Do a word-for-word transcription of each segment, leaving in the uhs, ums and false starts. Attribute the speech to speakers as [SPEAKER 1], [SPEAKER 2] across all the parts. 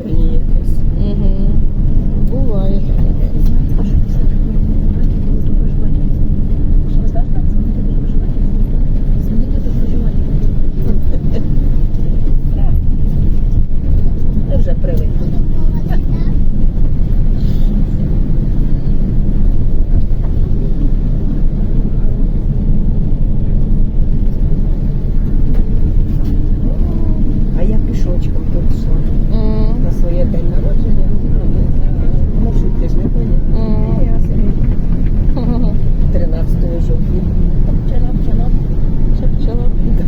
[SPEAKER 1] приключення якесь.
[SPEAKER 2] Угу. Буває таке.
[SPEAKER 1] Ти вже привик. А я пішочком тут йшла
[SPEAKER 2] М.
[SPEAKER 1] на своє день народження. Маршрутки ж не ходять.
[SPEAKER 2] М.
[SPEAKER 1] Я собі тринадцятого жовтня.
[SPEAKER 2] Чап-чалап.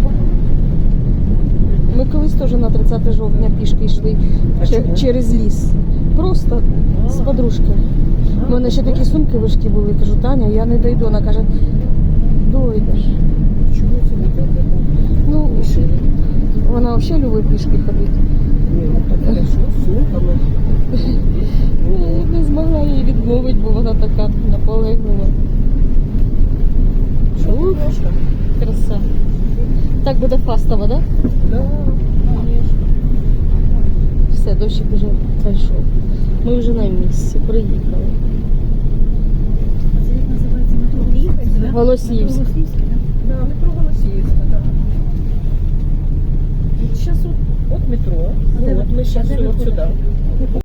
[SPEAKER 2] Ми колись теж на тридцяте жовтня пішки йшли
[SPEAKER 1] А
[SPEAKER 2] че-
[SPEAKER 1] чому?
[SPEAKER 2] через ліс. Просто з подружкою. У мене ще такі сумки важкі були. Кажу, Таня, я не дойду. Вона каже, дойдеш.
[SPEAKER 1] Чому це не так?
[SPEAKER 2] Ну,
[SPEAKER 1] Рішили.
[SPEAKER 2] вона взагалі любить пішки ходити.
[SPEAKER 1] Ні, ну так хорошо, з сумками.
[SPEAKER 2] Ну, не змогла її відмовити, бо вона така наполеглива.
[SPEAKER 1] Що?
[SPEAKER 2] Краса. Так буде фастово, так? Да?
[SPEAKER 1] Да, конечно.
[SPEAKER 2] Все, дощик вже пройшов. Ми вже на місці, приїхали.
[SPEAKER 3] Це як називається метро? Їхати, да?
[SPEAKER 2] Голосіївськ.
[SPEAKER 3] Метро Голосіївське, да?
[SPEAKER 1] Да, метро Голосіївська, так. Зараз от, от метро,
[SPEAKER 3] А де
[SPEAKER 1] от
[SPEAKER 3] ви-
[SPEAKER 1] ми
[SPEAKER 3] а
[SPEAKER 1] зараз
[SPEAKER 3] де ви
[SPEAKER 1] от
[SPEAKER 3] ходите?
[SPEAKER 1] сюди.